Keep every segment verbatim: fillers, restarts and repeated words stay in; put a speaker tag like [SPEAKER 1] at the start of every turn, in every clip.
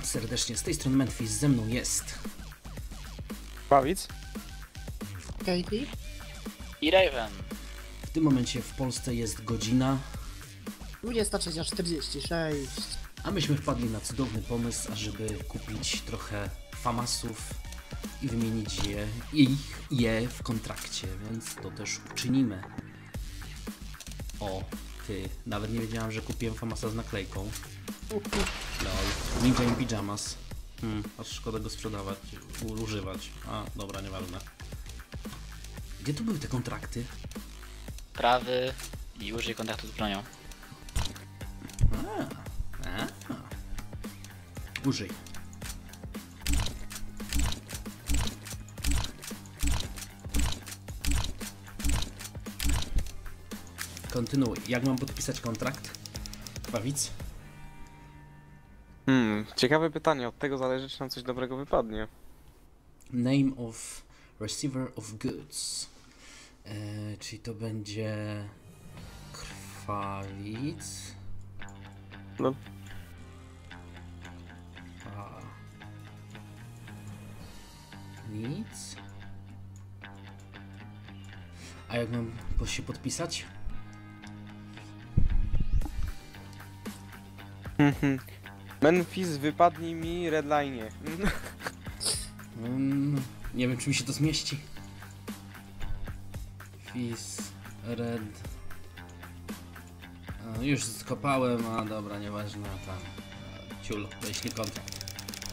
[SPEAKER 1] serdecznie, z tej strony Memphis, ze mną jest...
[SPEAKER 2] Bawic.
[SPEAKER 3] Katie.
[SPEAKER 4] I Raven.
[SPEAKER 1] W tym momencie w Polsce jest godzina...
[SPEAKER 3] dwudziesta trzecia czterdzieści sześć.
[SPEAKER 1] A myśmy wpadli na cudowny pomysł, ażeby kupić trochę famasów i wymienić je, ich, je w kontrakcie, więc to też uczynimy. O, ty, nawet nie wiedziałem, że kupiłem famasa z naklejką. Lol, Ninja in Pyjamas. Hmm, aż szkoda go sprzedawać, u- używać. A, dobra, nieważne. Gdzie tu były te kontrakty?
[SPEAKER 4] Prawy i użyj kontaktu z bronią.
[SPEAKER 1] A, a. Użyj. Kontynuuj. Jak mam podpisać kontrakt? Bawic?
[SPEAKER 2] Hmm, ciekawe pytanie, od tego zależy, czy nam coś dobrego wypadnie.
[SPEAKER 1] Name of receiver of goods. E, czyli to będzie... Krwalic.
[SPEAKER 2] No.
[SPEAKER 1] A. Nic. A jak mam po- się podpisać?
[SPEAKER 2] Memphis, wypadnij mi redline.
[SPEAKER 1] Mm, nie wiem, czy mi się to zmieści. Fizz, red. A, już skopałem, a dobra, nieważne, tam. A, ciul, wyślij kontrakt.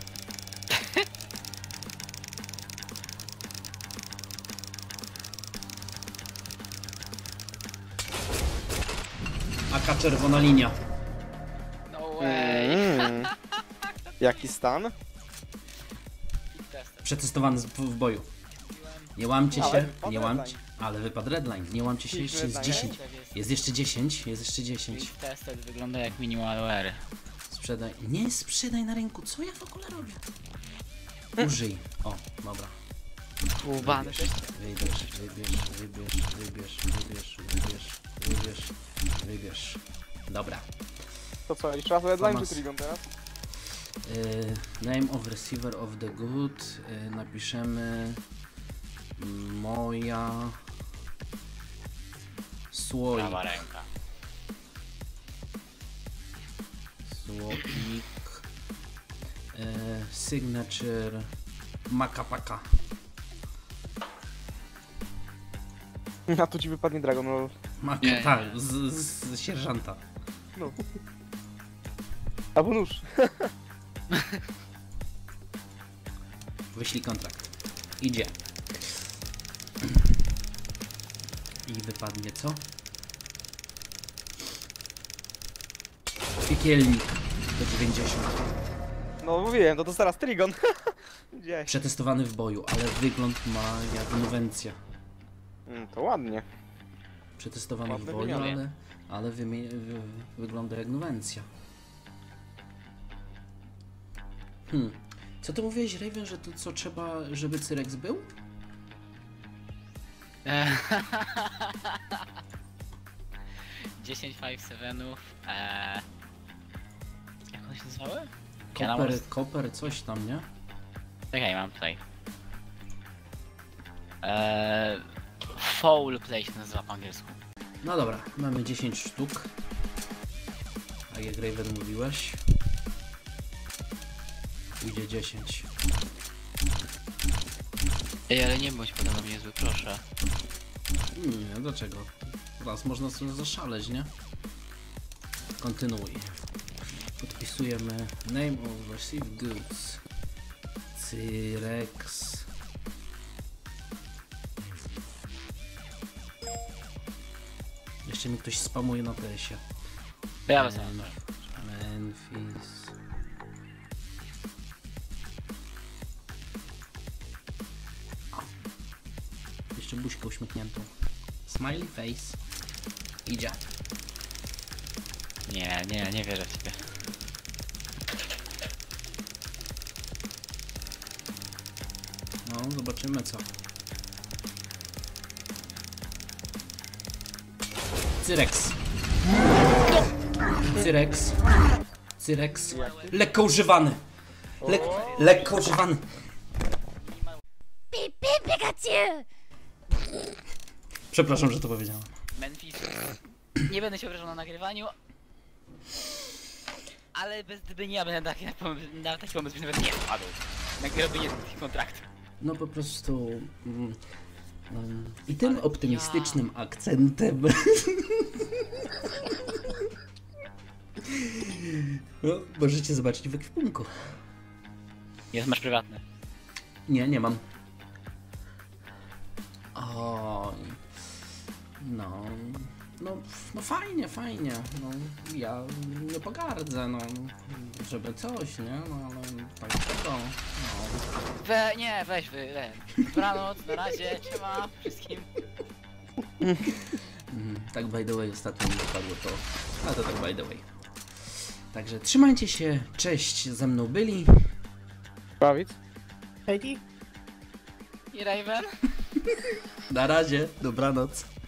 [SPEAKER 1] Aka czerwona linia.
[SPEAKER 4] No way.
[SPEAKER 2] Mm. Jaki stan?
[SPEAKER 1] Przetestowany z- w boju. Nie łamcie
[SPEAKER 2] Ale
[SPEAKER 1] się,
[SPEAKER 2] wypadł
[SPEAKER 1] nie łamcie.
[SPEAKER 2] redline.
[SPEAKER 1] Ale wypadł redline, nie łamcie się,
[SPEAKER 2] Hit
[SPEAKER 1] jeszcze jest
[SPEAKER 2] redline.
[SPEAKER 1] dziesięć. Jest jeszcze dziesięć, jest jeszcze dziesięć.
[SPEAKER 4] Quick tested wygląda jak minimal wear.
[SPEAKER 1] Sprzedaj. Nie sprzedaj na rynku, co ja w ogóle robię? Użyj. O, dobra.
[SPEAKER 4] Łubany
[SPEAKER 1] Wybierz, wybierz, wybierz, wybierz, wybierz, wybierz, wybierz, wybierz, wybierz. Dobra.
[SPEAKER 2] To co, jeszcze raz redline
[SPEAKER 1] Famas.
[SPEAKER 2] czy Trigon teraz?
[SPEAKER 1] Y, name of receiver of the good. Y, napiszemy moja słoik.
[SPEAKER 4] Prawa ręka.
[SPEAKER 1] Słoik. Y, signature Makapaka.
[SPEAKER 2] A tu ci wypadnie Dragon Roll.
[SPEAKER 1] Maka,
[SPEAKER 4] Nie.
[SPEAKER 1] tak, z, z, z sierżanta.
[SPEAKER 2] No. Albo nóż.
[SPEAKER 1] Wyślij kontrakt. Idzie. I wypadnie co? Piekielnik do dziewięćdziesiąt.
[SPEAKER 2] No mówiłem, to to teraz Trigon. Gdzieś.
[SPEAKER 1] Przetestowany w boju, ale wygląd ma jak inwencja.
[SPEAKER 2] Mm, to ładnie.
[SPEAKER 1] Przetestowany w
[SPEAKER 2] Ładne
[SPEAKER 1] boju,
[SPEAKER 4] wymiany.
[SPEAKER 1] ale, ale wymie- wy- wygląda jak inwencja. Hmm. Co ty mówiłeś, Raven, że to co trzeba, żeby Cyrex był?
[SPEAKER 4] dziesięć pięć sevenów. Eee... Jak one się nazywały?
[SPEAKER 1] Koper, koper, coś tam, nie?
[SPEAKER 4] Czekaj, mam tutaj. Eee... Foul play się nazywa po angielsku.
[SPEAKER 1] No dobra, mamy dziesięć sztuk. Tak jak Raven mówiłeś. Pójdzie dziesięć.
[SPEAKER 4] Ej, ale nie bądź podobno niezły, proszę.
[SPEAKER 1] Nie, dlaczego? Raz można sobie zaszaleć, nie? Kontynuuj. Podpisujemy name of received goods. Cyrex. Jeszcze mi ktoś spamuje na tesie.
[SPEAKER 4] Ja
[SPEAKER 1] Em,
[SPEAKER 4] sam.
[SPEAKER 1] Memphis. O. Jeszcze buźkę uśmiechniętą. Smiley face. Idzie.
[SPEAKER 4] Nie, nie, nie wierzę w ciebie.
[SPEAKER 1] No, zobaczymy co. Cyrex. Cyrex. Cyrex. Lekko używany. Lek lekko używany. Przepraszam, że to powiedziałem.
[SPEAKER 4] Memphis. Nie będę się obrażał na nagrywaniu. Ale bez gdyby nie ja będę na taki pomysł, na taki pomysł bym nawet nie wpadł. Na robienie tych kontraktów.
[SPEAKER 1] No po prostu... Mm, mm, I tym
[SPEAKER 4] Ale
[SPEAKER 1] optymistycznym akcentem... no, możecie zobaczyć w ekwipunku.
[SPEAKER 4] Jest masz prywatne.
[SPEAKER 1] Nie, nie mam. O, no, no, no fajnie, fajnie. No, ja nie pogardzę, no, żeby coś, nie? No, ale tak tego, no.
[SPEAKER 4] We, nie, weź wy, we. Dobranoc, na razie, siema wszystkim.
[SPEAKER 1] Mm, tak by the way ostatnio mi dopadło to, a to tak by the way. Także trzymajcie się, cześć, ze mną byli.
[SPEAKER 2] Bawic?
[SPEAKER 3] Katie?
[SPEAKER 4] I Raven?
[SPEAKER 1] Na razie, dobranoc.